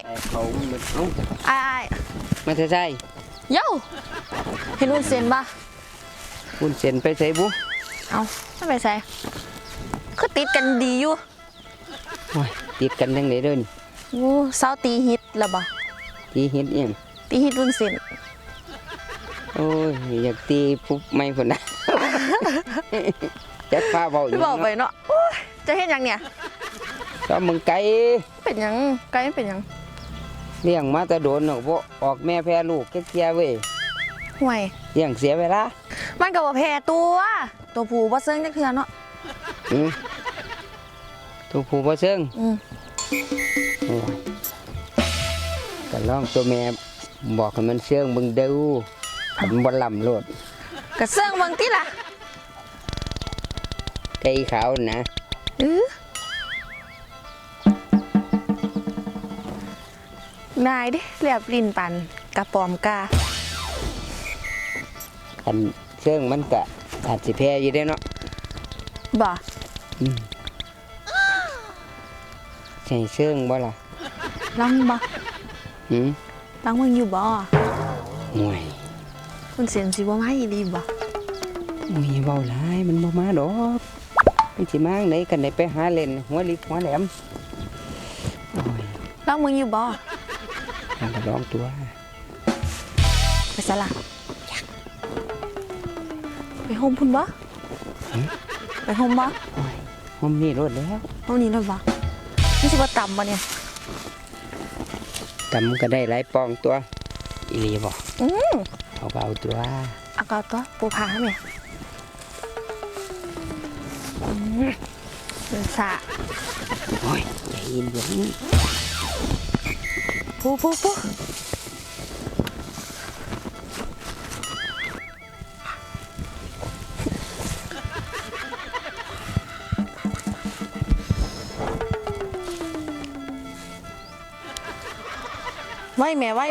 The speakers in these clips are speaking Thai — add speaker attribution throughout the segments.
Speaker 1: เขามันเอ้า
Speaker 2: ไอ้
Speaker 1: มาใช่
Speaker 2: เย้าเห็นวุ้นเส้นปะ
Speaker 1: คุณเซ็นไปใส่บุ
Speaker 2: เอาไม่ไปใส่คือติดกันดีอยู่
Speaker 1: โอ้ยติดกันทั้งไหนเด้อนี่
Speaker 2: โอ้เศร้าตีฮิตแล้วบ่
Speaker 1: ตีเห็ดเอียง
Speaker 2: ตีฮิตวุ้นเส้น
Speaker 1: โอ้ยอยากตีปุ๊บไม่คนนะ จักพาเบาอยู่
Speaker 2: บอกไปเนาะโอ้ยจะเห็นยังเนี่ย
Speaker 1: ก็มึงไก่
Speaker 2: เป็นยังไกลเป็นยัง
Speaker 1: เลี้ยงมาแต่โดนเนาะบ่ออกแม่แพ้ลูกแก่ๆเว้ย
Speaker 2: ห่วย
Speaker 1: เลี้ยงเสียเวลา
Speaker 2: มันก็บ่แพ้ตัวผู้บ่เซิงจักเทื่อเนาะ
Speaker 1: อืมตัวผู้บ่เชิง
Speaker 2: อืม
Speaker 1: โอ้ยก็ลองตัวแม่บอกให้มันเชิงมึงดูมันบ่ลำโลด
Speaker 2: ก็เซิงเบิ่งติล่ะ
Speaker 1: ไก่ขาวนะ
Speaker 2: นายดิแลบลิ้นปันกระปอมกา
Speaker 1: คันเชิงมันก็อาจสิแพ้อยู่ได้เนาะ
Speaker 2: บ่
Speaker 1: อืมใช่เชิงบ่ล่ะ
Speaker 2: ลองบ่
Speaker 1: หืม
Speaker 2: ลองมึงอยู่บ่
Speaker 1: ห่วย
Speaker 2: คุณเสียนสิบ่มาอีหลีบ่
Speaker 1: มุยเบาหลายมันบ่มาดอกมันสิมาไหนกันไหนไปหาเล่นหัวลิกหัวแหลมโอ้ย
Speaker 2: ลองมึงอยู่บ่
Speaker 1: มันก็ร้องตัว
Speaker 2: ไปซะล่ะไปโฮมพุ่นบ่ไปโฮมบ่
Speaker 1: โอ้ยห้องนี้รถแล้ว
Speaker 2: โฮมนี้เลยบ่นี่สิบ่ต่ำบ่เนี่ย
Speaker 1: ตำก็ได้หลายปองตัวอีหลีบ่
Speaker 2: อือ
Speaker 1: เอาก็เอาตัว
Speaker 2: เอาก็ตัวปูผาแม่เป็นสะ
Speaker 1: โอ้ยใจเย็นอย่างนี้
Speaker 2: ปูไว้แม่ไว้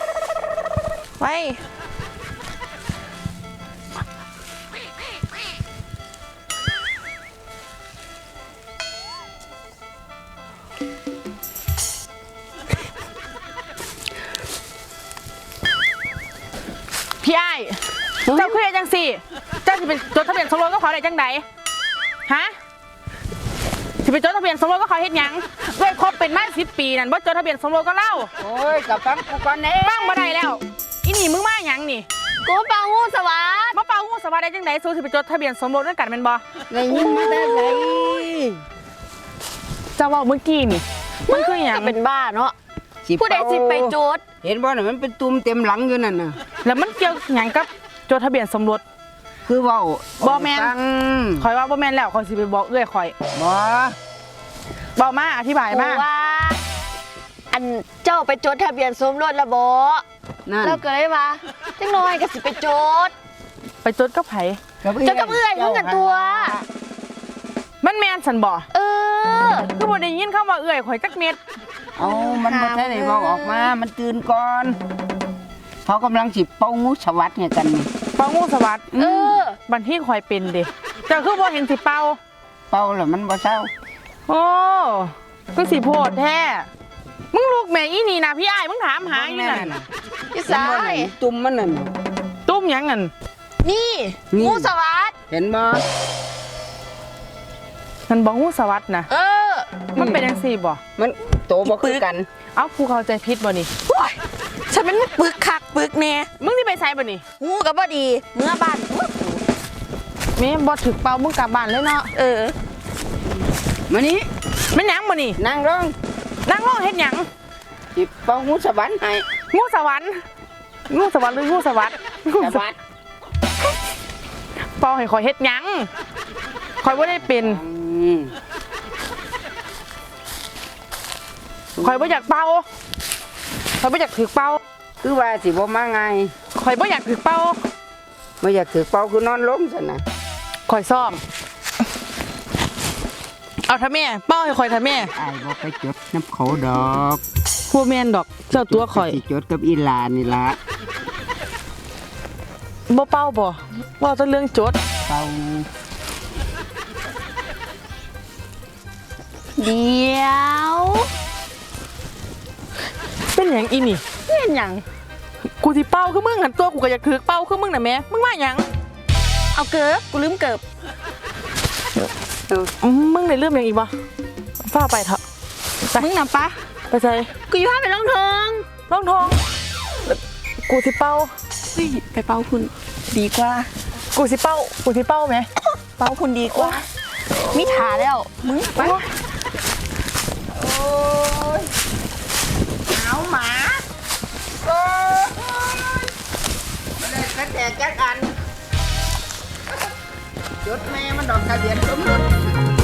Speaker 3: พี่ไอ้เจ้าคือเฮ็ดจังสี่เจ้าสิเป็นจดทะเบียนสมรสก็ขอได้จังใดฮะสิเป็นจดทะเบียนสมรสก็ขอเฮ็ดหยังด้วยครบเป็นมา10 ปีนั่นบ่จดทะเบียนสมรสก็เล่า
Speaker 1: โอ้ยกับฟังกูก่อนเด้
Speaker 3: ฟังบ่ได้แล้วอีนี่มึงมาหยังนี่
Speaker 2: กูเป่างูสวัสด
Speaker 3: มาเป่าหูสวัสดิ์ได้จังใดสู้สิเป็นจดทะเบียนสมรสด้วยกันแม่นบ่
Speaker 1: ได้ยินมาแต่ไหน
Speaker 3: เจ้าเว้าเมื่อกี้นี่มันคือหยัง
Speaker 2: เป็นบ้าเนาะ
Speaker 1: สิ
Speaker 2: ผู้ใดสิไปโจทย์
Speaker 1: เห็นบ่น่ะมันเป็นตุ่มเต็มหลังอยู่นั่นน่ะ
Speaker 3: แล้วมันเกี่ยวหยังกับจดทะเบียนสมรส
Speaker 1: คือเว้า
Speaker 3: บ่แม่น
Speaker 1: ฟัง
Speaker 3: ข่อยว่าบ่แม่นแล้วข่อยสิไปบอกเอื้อยข่อย
Speaker 1: บ่
Speaker 3: บอกมาอธิบายมา
Speaker 4: ว่า อันเจ้าไปจดทะเบียนสมรสแล้วบ่
Speaker 1: นั่น
Speaker 4: แล้วก็เลยว่าจังน้อยก็สิไปจด
Speaker 3: ไปจดกับไผ
Speaker 4: จดกับเอื้อยเพิ่นกันตัว
Speaker 3: มันแม่นสันบ่
Speaker 4: เออ
Speaker 3: คือบ่ได้ยินคำว่าเอื้อยข่อยจักเม็ด
Speaker 1: เอามันบ่ทันได้เว้าออกมามันตื่นก่อนเขากำลังสิเป่างูสวัสดิ์ให้กันนี่
Speaker 3: เป่างูสวัสดิ์
Speaker 4: เออ
Speaker 3: บันที่ข่อยเป็นเด้เจ้าคือบ่เห็นสิเป่า
Speaker 1: เป่าแล้วมันบ่เศร้า
Speaker 3: โอ้ก็สิโพดแท้มึงลูกแม่อีนี่นะพี่อ้ายมึงถามหาอยู่นั่น
Speaker 4: พี่
Speaker 1: เห็น
Speaker 4: สา
Speaker 1: บ่นั่
Speaker 4: ย
Speaker 1: นตุ่มมันนั่น
Speaker 3: ตุ้มหยังนั่น
Speaker 4: นี่
Speaker 1: นี่
Speaker 4: งูสวัสด
Speaker 1: เห็นบ่
Speaker 3: มันบ่งูสวัสดิ์นะ
Speaker 4: เออ
Speaker 3: มันเป็นจังซี่บ่
Speaker 1: มันโตบ่คือกัน
Speaker 3: เอ้ากูเข้าใจผิดบ่นี่
Speaker 2: โอ้ยฉันเป็นปึกคักปึกแน่
Speaker 3: มึงสิไปไสบ่นี่
Speaker 2: งูก็บ่ดีเมื่อบ้าน
Speaker 3: แม่บ่ถึกเป่ามึงกลับบ้านเลยเนาะ
Speaker 1: มานี่
Speaker 3: แม่นหยังบ่นี่
Speaker 1: นั่งร้อง
Speaker 3: นั่งรอเฮ็ดหยัง
Speaker 1: สิเป่างูสวรรค์ให้
Speaker 3: งูสวรรค์งูสวรรค์หรืองูสวัสดิ์
Speaker 1: สวัสดิ์
Speaker 3: เป่าให้ข่อยเฮ็ดหยังข่อยบ่ได้เป็น ข่อยบ่อยากเป่าข่อยบ่อยากถือเป่า
Speaker 1: คือว่าสิบ่มาไง
Speaker 3: ข่อยบ่อยากถือเป่า
Speaker 1: บ่อยากถือเป่าคือนอนล้มซั่นน่ะ
Speaker 3: ข่อยซ่อม เอาท่าแม่เป้าให้ข่อยท่าแม่
Speaker 1: อ้ายบ่ไปจดน้ำเขาดอก
Speaker 3: พัวแมนดอกเจ้าตัวข่อย
Speaker 1: สิจดกับอีหลานนี่ล่ะ
Speaker 3: บ่เป้าบ่ว่าแต้องเรื่องจด
Speaker 1: เป่า
Speaker 4: เดี๋ยว
Speaker 3: เป็นหยังอีนี่
Speaker 4: เป็นหยัง
Speaker 3: กูสิเป้าคือมึงหันตัวกูก็อยากถือเป้าคือมึงน่ะแม่มึงมาหยัง
Speaker 4: เอาเกิบกูลืมเกิบ
Speaker 3: มึงได้เรื่องหยังอีกบ่ฟ้าไปเถอะ
Speaker 4: มึงนำปะ
Speaker 3: ไปใส่
Speaker 4: กูอยู่ห้าไปลองทอง
Speaker 3: ร่องทองกูสิเป้า
Speaker 4: เฮ้ยไปเป่าคุณดีกว่า
Speaker 3: กูสิเป้าไหม
Speaker 4: เป่าคุณดีกว่ามิถาแล้วมึงไป
Speaker 1: เอาหมาโอ้ยมาเลยกระแตกจักอันจดแม่มันดอกทะเบียนสมรส